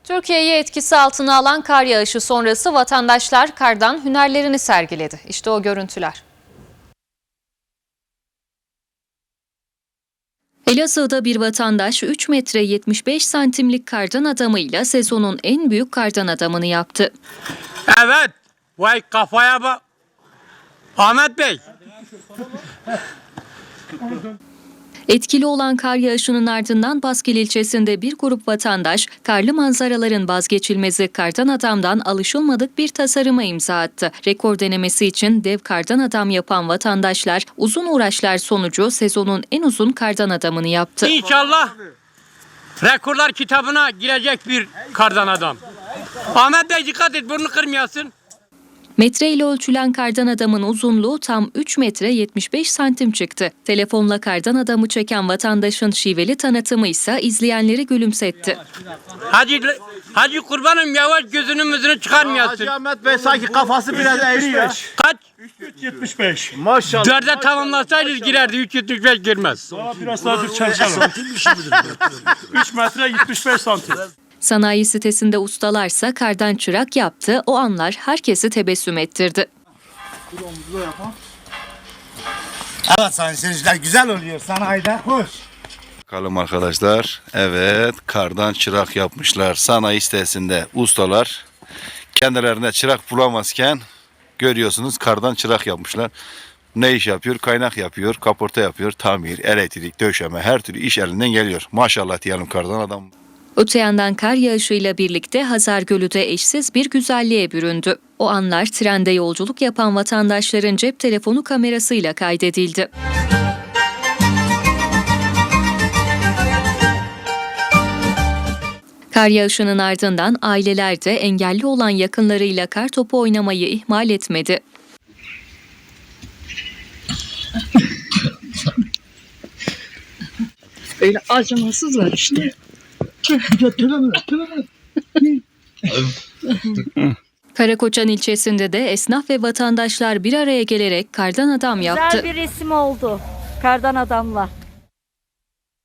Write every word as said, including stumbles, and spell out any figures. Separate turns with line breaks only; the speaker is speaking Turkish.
Türkiye'yi etkisi altına alan kar yağışı sonrası vatandaşlar kardan hünerlerini sergiledi. İşte o görüntüler. Elazığ'da bir vatandaş üç metre yetmiş beş santimlik kardan adamıyla sezonun en büyük kardan adamını yaptı.
Evet, vay kafaya bak. Ahmet Bey.
Etkili olan kar yağışının ardından Baskil ilçesinde bir grup vatandaş karlı manzaraların vazgeçilmezi kardan adamdan alışılmadık bir tasarıma imza attı. Rekor denemesi için dev kardan adam yapan vatandaşlar uzun uğraşlar sonucu sezonun en uzun kardan adamını yaptı.
İnşallah rekorlar kitabına girecek bir kardan adam. Ahmet Bey dikkat et, burnunu kırmayasın.
Metre ile ölçülen kardan adamın uzunluğu tam üç metre yetmiş beş santim çıktı. Telefonla kardan adamı çeken vatandaşın şiveli tanıtımı ise izleyenleri gülümsetti.
Hacı, Hacı kurbanım yavaş gözünün müzünü çıkarmayasın.
Hacı Ahmet Bey sanki kafası biraz eğriyor.
Kaç?
üç yetmiş beş.
Maşallah.
Dörde tamamlasaydınız girerdi, üç yetmiş beş girmez.
Daha biraz daha dur çalışalım. üç metre yetmiş beş santim.
Sanayi sitesinde ustalarsa kardan çırak yaptı. O anlar herkesi tebessüm ettirdi.
Evet sayın seyirciler, güzel oluyor sanayide. Hoş.
Bakalım arkadaşlar. Evet, kardan çırak yapmışlar. Sanayi sitesinde ustalar kendilerine çırak bulamazken görüyorsunuz kardan çırak yapmışlar. Ne iş yapıyor? Kaynak yapıyor, kaporta yapıyor, tamir, elektrik, döşeme, her türlü iş elinden geliyor. Maşallah diyelim kardan adam.
Öte yandan kar yağışıyla birlikte Hazar Gölü de eşsiz bir güzelliğe büründü. O anlar trende yolculuk yapan vatandaşların cep telefonu kamerasıyla kaydedildi. Kar yağışının ardından aileler de engelli olan yakınlarıyla kar topu oynamayı ihmal etmedi.
Öyle acımasızlar işte.
Karakoçan ilçesinde de esnaf ve vatandaşlar bir araya gelerek kardan adam yaptı.
Güzel bir resim oldu kardan adamla.